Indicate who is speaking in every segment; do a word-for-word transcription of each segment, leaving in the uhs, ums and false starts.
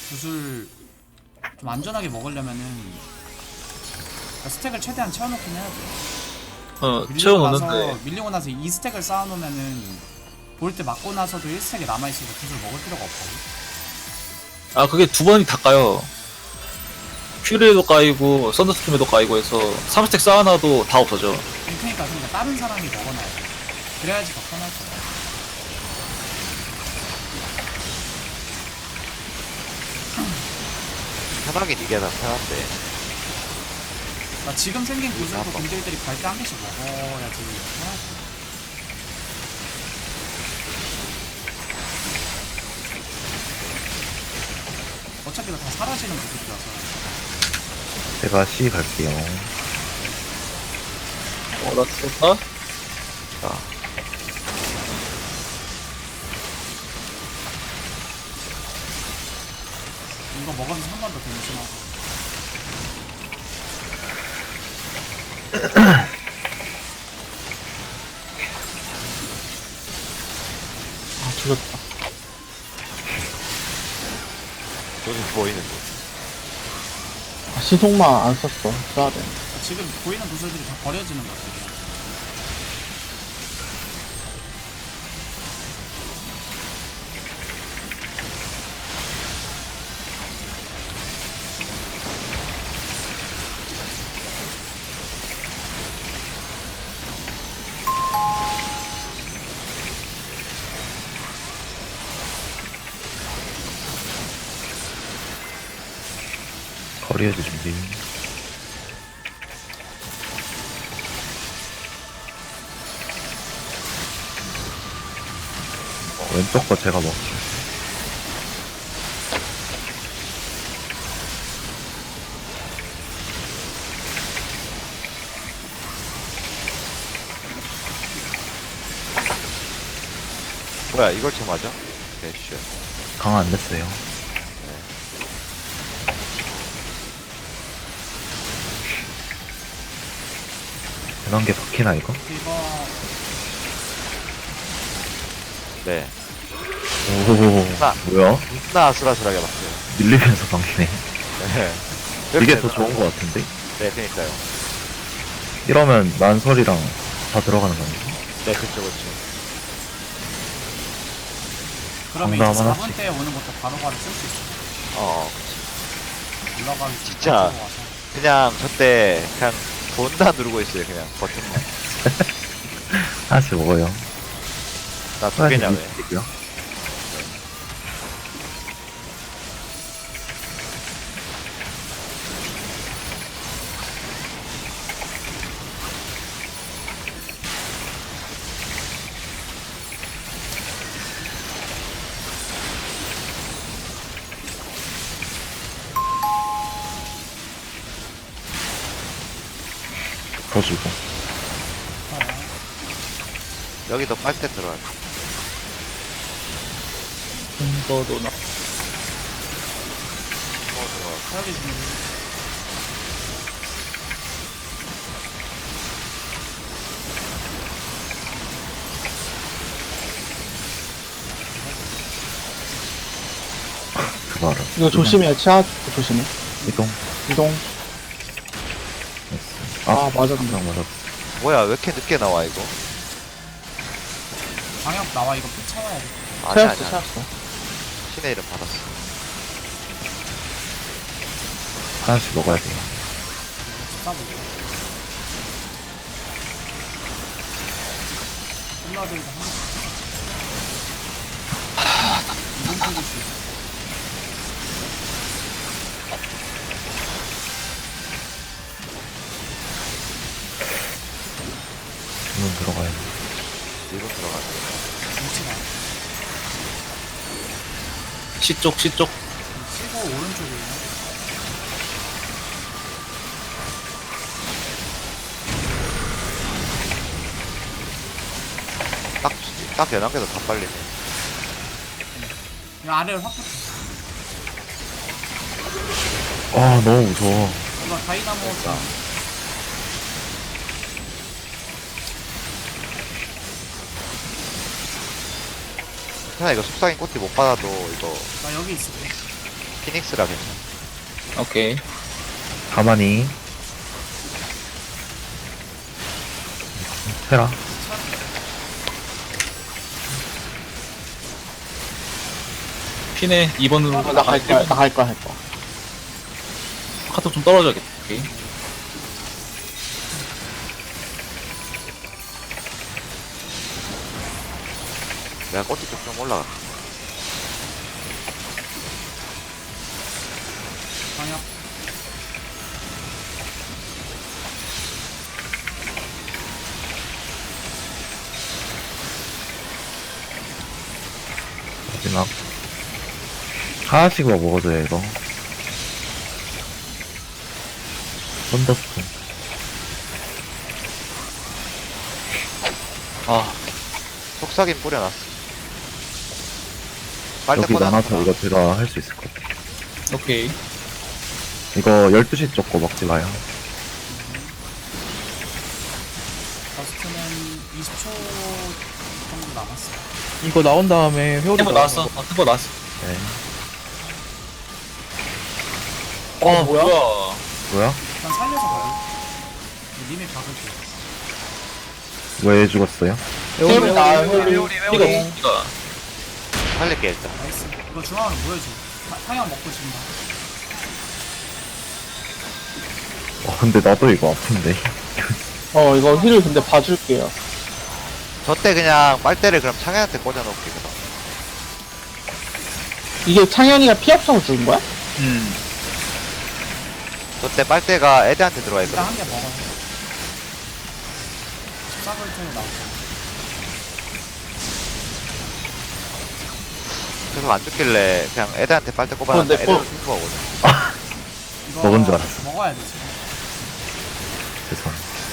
Speaker 1: 구슬 좀 안전하게 먹으려면은 그러니까 스택을 최대한 채워놓긴 해야 돼.
Speaker 2: 어
Speaker 1: 밀리고 나서
Speaker 2: 채워놓는데
Speaker 1: 밀리고 나서 이 스택을 쌓아놓으면은 볼 때 맞고 나서도 일 스택이 남아있으니까 구슬 먹을 필요가 없거든.
Speaker 2: 아 그게 두 번이 다 까요. 퓨리에도 까이고 썬더스톰에도 까이고 해서 삼 스택 쌓아놔도 다 없어져.
Speaker 1: 그러니까 그러니까 다른 사람이 먹어놔야 돼. 그래야지 더 편할 거야.
Speaker 3: 편하긴 이게 다 편한데.
Speaker 1: 그러니까 지금 생긴 구슬도 공들들이 갈 때 한 개씩 먹어야지 편하지. 어차피 이거 다 사라지는 구슬이라서.
Speaker 4: 제가 C 갈게요.
Speaker 2: 어나 죽었다?
Speaker 3: 자,
Speaker 1: 이거 먹으면서 한 번 더 변신하고.
Speaker 5: 아 죽었다.
Speaker 3: 돈이 보이는데.
Speaker 5: 아, 시속만 안 썼어. 써야 돼.
Speaker 1: 지금 보이는 구슬들이 다 버려지는 것들이야.
Speaker 4: 거리에서 준비. 어, 왼쪽 거 제가 먹을게요.
Speaker 3: 뭐야, 이걸 쳐 맞아? 대쉬.
Speaker 4: 강화 안 됐어요. 이런 게 박히나 이거?
Speaker 1: 이거
Speaker 3: 네.
Speaker 4: 오,
Speaker 3: 나.
Speaker 4: 뭐야?
Speaker 3: 존나 아슬아슬하게 봤어요.
Speaker 4: 밀리면서 박히네.
Speaker 3: 네.
Speaker 4: 이게 더 좋은 거 같은데?
Speaker 3: 네, 그니까요.
Speaker 4: 이러면 만설이랑 다 들어가는 거 아니야?
Speaker 3: 네, 그쵸, 그쵸.
Speaker 1: 그러면 이제
Speaker 4: 강남
Speaker 1: 사 분
Speaker 4: 하나씩.
Speaker 1: 때 오는 것도 바로바로 쓸 수 있어.
Speaker 3: 어,
Speaker 1: 올라가기
Speaker 3: 진짜.
Speaker 1: 가지고 와서.
Speaker 3: 그냥 저때 그냥 존나 누르고 있어요, 그냥 버튼만.
Speaker 4: 하나씩 먹어요.
Speaker 3: 나 두
Speaker 4: 하나씩
Speaker 3: 개냐, 왜?
Speaker 4: 밀리고요. 더 주고.
Speaker 3: 여기도 빨대 들어가요.
Speaker 2: 이거도 나
Speaker 3: 어, 들어가.
Speaker 1: 사역이 준비.
Speaker 4: 그거 알아.
Speaker 5: 이거 조심해. 치아 조심해.
Speaker 4: 이동.
Speaker 5: 이동.
Speaker 4: 아,
Speaker 5: 아 맞아.
Speaker 4: 항상 맞았어.
Speaker 3: 뭐야, 왜 이렇게 늦게 나와, 이거?
Speaker 1: 방역 나와. 이거 피 채워야 돼.
Speaker 3: 아니,
Speaker 5: 채웠어
Speaker 3: 아니, 아니.
Speaker 5: 채웠어.
Speaker 3: 신의 이름 받았어.
Speaker 4: 하나씩 먹어야 돼요.
Speaker 1: 십사 분. 콜라들도 한 개씩. 이분 풀릴 수 있어.
Speaker 4: 주문 들어가야 돼.
Speaker 3: 일본 들어가네.
Speaker 1: 위치가.
Speaker 2: C쪽 C쪽
Speaker 1: 치고 오른쪽이에요.
Speaker 3: 딱, 딱 연한 게 더 다 빨리네.
Speaker 1: 이 아래를 확 붙여.
Speaker 4: 아, 너무 무서워.
Speaker 1: 이거 다이나모
Speaker 3: 그냥 이거 속삭임 꽃이 못 받아도 이거
Speaker 1: 나 여기 있을게.
Speaker 3: 피닉스라 괜찮아.
Speaker 2: 오케이.
Speaker 4: 가만히. 테라.
Speaker 2: 피네 이 번으로
Speaker 5: 나 갈 거야, 나 갈 거야, 할 거야.
Speaker 2: 카톡 좀 떨어져야겠다. 오케이.
Speaker 3: 내가 꼬치 쪽 좀 올라가.
Speaker 1: 방역.
Speaker 4: 마지막. 하나씩만 먹어줘요, 이거. 썬더스톤.
Speaker 2: 아,
Speaker 3: 속삭임 뿌려놨어. 빨대
Speaker 4: 여기
Speaker 3: 꽂아놨어.
Speaker 4: 나눠서 이거 제가 할 수 있을 것 같아.
Speaker 2: 오케이.
Speaker 4: 이거 열두 시 쪽 거 먹지 마요.
Speaker 1: 버스트는 이십 초 정도 남았어.
Speaker 5: 이거 나온 다음에 회오리
Speaker 2: 템버 나왔어. 어, 템버 나왔어.
Speaker 4: 네.
Speaker 2: 어,
Speaker 5: 뭐야?
Speaker 2: 뭐야?
Speaker 4: 뭐야?
Speaker 1: 일단 살려서 가요. 님이 박을게요.
Speaker 4: 왜 죽었어요?
Speaker 5: 회오리 나, 회오리.
Speaker 2: 이거, 이거.
Speaker 3: 살릴게, 일단.
Speaker 1: 나이스. 이거 중앙으로 보여줘. 타- 타격 먹고 진다.
Speaker 4: 어, 근데 나도 이거 아픈데.
Speaker 5: 어, 이거 힐을 근데 봐줄게요.
Speaker 3: 저때 그냥 빨대를 그럼 창현한테 꽂아놓을게, 그럼.
Speaker 5: 이게 창현이가 피 없어서 죽은 거야?
Speaker 2: 음.
Speaker 3: 저때 빨대가 애들한테 들어와 있거든.
Speaker 1: 일단 한 개 먹어요. 십사 볼트 나오고.
Speaker 3: 계속 안 죽길래 그냥 애들한테 빨대 꼽아놨는데
Speaker 5: 어, 내
Speaker 3: 애들은
Speaker 5: 거-
Speaker 3: 승부하거든.
Speaker 1: 이거
Speaker 4: 먹은 줄 알았어.
Speaker 1: 먹어야 돼, 지금.
Speaker 4: 죄송.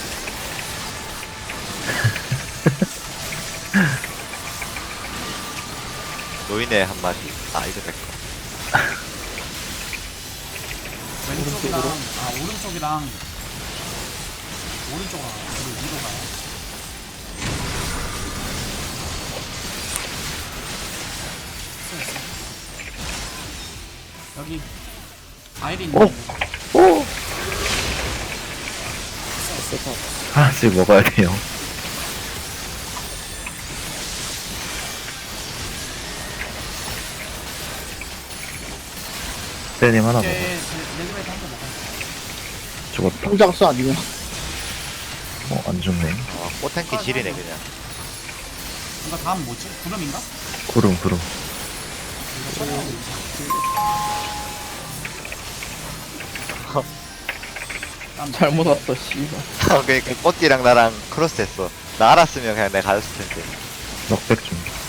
Speaker 3: 노인의 한마디. 아, 이제 백.
Speaker 1: 왼쪽이랑, 아, 오른쪽이랑, 오른쪽으로 가요. 그리고 위로 가요. 있어, 있어. 여기, 아이린.
Speaker 4: 오! 오!
Speaker 1: 있어, 있어.
Speaker 4: 하나씩 먹어야 돼요. 세님 하나
Speaker 1: 이제
Speaker 4: 먹어.
Speaker 1: 레드베이트 한 개 먹어요.
Speaker 4: 죽었다.
Speaker 5: 홍장수 아니면.
Speaker 4: 어, 안 죽네.
Speaker 3: 어, 꽃탱키 지리네, 그냥.
Speaker 1: 이거 다음 뭐지? 구름인가?
Speaker 4: 구름, 구름.
Speaker 1: 이거 처리하고 있어.
Speaker 5: 잘못 왔어, 씨발.
Speaker 3: 그니까 꽃띠랑 나랑 크로스 했어. 나 알았으면 그냥 내가 가졌을 텐데.
Speaker 4: 넉백 좀.